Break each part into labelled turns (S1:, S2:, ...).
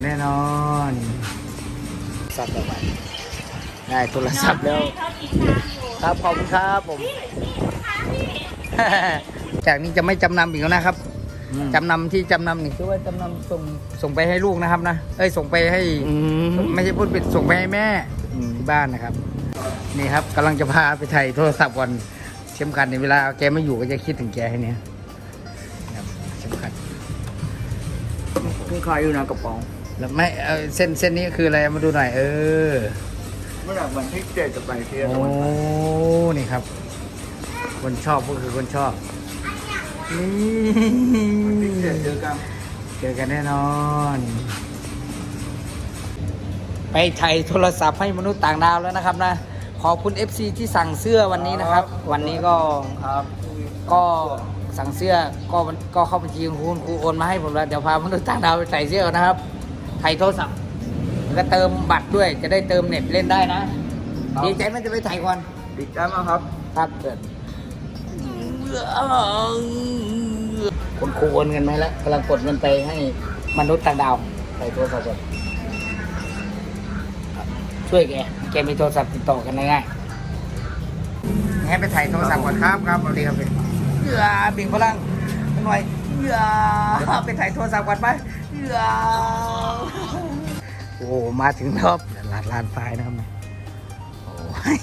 S1: แน่นอนสับต่อไปได้โทรศัพท์แล้วครับขอบคุณครับผมจากนี้จะไม่จำนำอีกแล้วนะครับจำนำที่จำนำนี่คือว่าจำนำส่งไปให้ลูกนะครับนะส่งไปให้ไม่ใช่พูดเป็นส่งไปให้แม่ที่บ้านนะครับนี่ครับกำลังจะพาไปถ่ายโทรศัพท์ก่อนเข็มขัดในเวลาแกไม่อยู่ก็จะคิดถึงแกให้เนี้ยเข็มขัด
S2: มีใครอยู่นะกระป๋อง
S1: แล้วไม่เส้นนี้คืออะไรมาดูหน่อย
S2: เมื่อไหร่วันที่7จะไปเที่ยว
S1: โอ้นี่ครับคนชอบก็คือคนชอบนี่
S2: เจอกัน
S1: แน่นอนไปถ่ายโทรศัพท์ให้มนุษย์ต่างดาวแล้วนะครับนะขอบคุณ FC ที่สั่งเสื้อวันนี้นะครับวันนี้ก็สั่งเสื้อก็เข้าบัญชีของคุณครูโอนมาให้ผมแล้วเดี๋ยวพามนุษย์ต่างดาวไปใส่เสื้อนะครับถ่ายโทรศัพท์แล้วก็เติมบัตรด้วยจะได้เติมเน็ตเล่นได้นะดีใจไหมจะไปถ่ายก่อน
S2: ดีใจมากครับ
S1: ครับเกิดคุณครูโอนเงินไหมแล้วกำลังกดเงินไปให้มนุษย์ต่างดาวใส่โทรศัพท์ช่วยแกมีโทรศัพท์ติดต่อกันง่ายๆให้ไปถ่ายโทรศัพท์ก่อนครับสวัสดีครับบิ่งพลังหน่อยไปถ่ายโทรศัพท์ก่อนไปโอ้มาถึงรอบลานไฟนะครับโอ้ย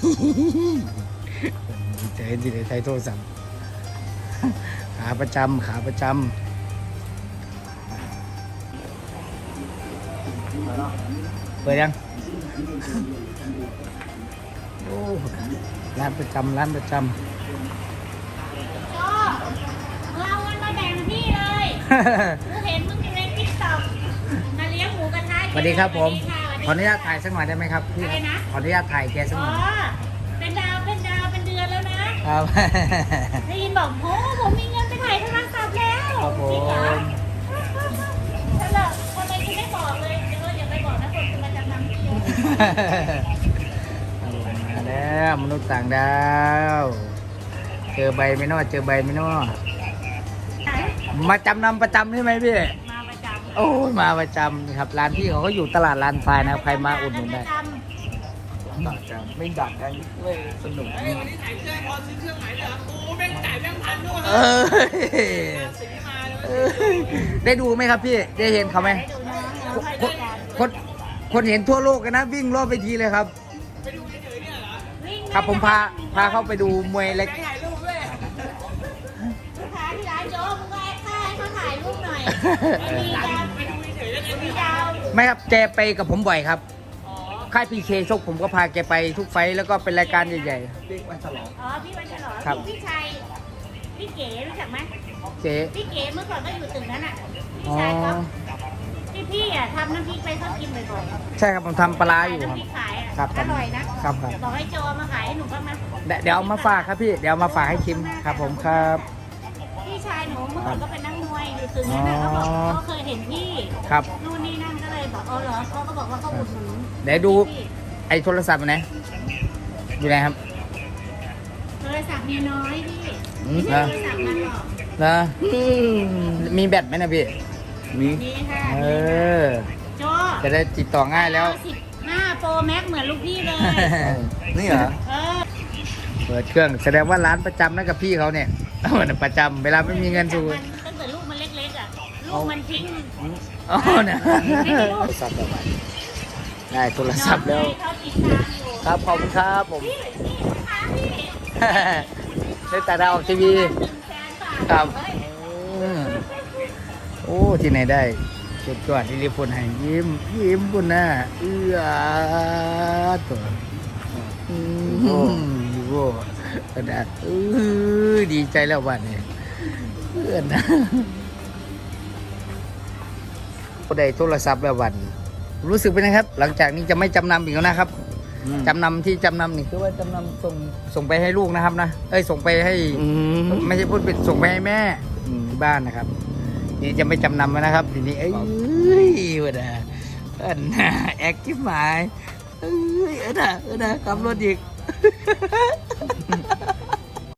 S1: เจอที่ไหนถ่ายโทรศัพท์ขาประจำเปิดยังโอ้ร้านประจำ
S3: เอาเงินมาแบ่งพี่เลยกูเห็นมึงอยู่ในติ๊กต็อกมาเลี้ยงหมูกระทะ
S1: สวัสดีครับผมขออนุญาตถ่ายสักหน่อยได้ไหมครับพี่ขออนุญาตถ่ายแกสักหน่อย
S3: เป็นดาวเป็นเดือนแล้วนะครับได้ยินบอกโอ้ผมมีเงินไปถ่ายโทรศัพท์แล้วจริงเหรอแล้วคนอะไรคุณไม่บอกเลยอย่าไปบอกนะคนจะมาจำนำพี่
S1: มาแล้วมนุษย์ต่างดาวเจอใบไม่นอมาจำนำประจำใช่ไหมพี่
S3: มาประจำ
S1: โอ้ยมาประจำครับร้านพี่เขาก็อยู่ตลาดลานทรายนะครับใครมาอุดหนุนได้
S2: ดักกันไม่ดักกันเลยสนุกวันนี้ถ่ายเครื่องพอซื้อเครื่องไหนเหรอโอ้แม่งจ่ายแบงค์พันด้วย
S1: ได้ดูไหมครับพี่ได้เห็นเขาไหมคนเห็นทั่วโลกกันนะวิ่งรอบไปทีเลยครับ
S2: ไปดูเฉยๆเนี่ยเหรอ
S1: ครับผมพาเข้าไปดูมวยเล็ก
S2: ถ่ายรูปด้วย
S3: ลูกค้าที่ร้านโจ๊กมึงก็ให้เขาถ่ายรูปหน่อย
S2: ไปดูเฉยๆแล้วเนี่ย
S3: มีดาว
S1: ไม่ครับแกไปกับผมบ่อยครับค่ายพีเคชกผมก็พาแกไปทุกไฟแล้วก็เป็นรายการใหญ่
S2: ๆพี่วันฉลอง
S3: พี่วันฉลองพี่ชัยพี่เก๋รู้จักไหมพี่เก๋เมื่อก่อนก็อยู่ตึกนั้นอ่ะพี่ชัยเขาพี่ทำน้ำพริกไปเขากินบ่อย
S1: ๆใช่ครับผมทำปลาอยู่
S3: น้ำพริกขาย
S1: ครับ
S3: อร่อยนะครับบอกให้โจมาขายให้หนูบ้างนะ
S1: เดี๋ยวเอามาฝากครับพี่เดี๋ยวมาฝากให้ชิมครับผมครับ
S3: พี่ชายหนูเมื่อก่อนก็เป็นนักมวยอยู่ตึกนั้นเขาบอกเขาเคยเห็นพี่
S1: ครับ
S3: นู่นนี่นั่นก็เลยบอกเหรอเขาก็บอกว่าเขาอุดหนุน
S1: เดี๋ยวดูไอ้โทรศัพท์ไหนอยู่ไหนครับ
S3: โทรศัพท์มีน้อยพี่ไม่ใช่โทรศัพท์มันหรอก
S1: นะมีแบตไหมนะพี่
S3: มีค่ะโจ
S1: จะได้ติดต่อง่ายแล้ว
S3: 15 Pro Max เหมือนลูกพี่เลย
S1: นี่เหรอเปิดเครื่องแสดงว่าร้านประจำนั่นกับพี่เขาเนี่ยประจำเวลาไม่มีเงินสู
S3: ตั้งแต่ลูกมันเล็กๆอ่ะลูกมันทิ้ง
S1: อ๋อเนี่ยโทรศัพท์ต่อไปได้โทรศัพท์แล้วครับขอบคุณครับผมได้แต่ดาวทีวีครับโอ้ที่ไหนได้สุดยอดที่รีพลให้ยิ้มบุญนะตัวโอ้กระดาษดีใจแล้ววันนี้เพื่อนนะได้โทรศัพท์แล้ววันรู้สึกเป็นไงครับหลังจากนี้จะไม่จำนำอีกแล้วนะครับจำนำที่จำนำนี่คือว่าจำนำส่งไปให้ลูกนะครับนะส่งไปให้ไม่ใช่พูดเป็นส่งไปให้แม่ที่บ้านนะครับนี่จะไม่จำนำแล้วนะครับทีนี้วันน่ะแอคทิฟหมายนะขับรถอีก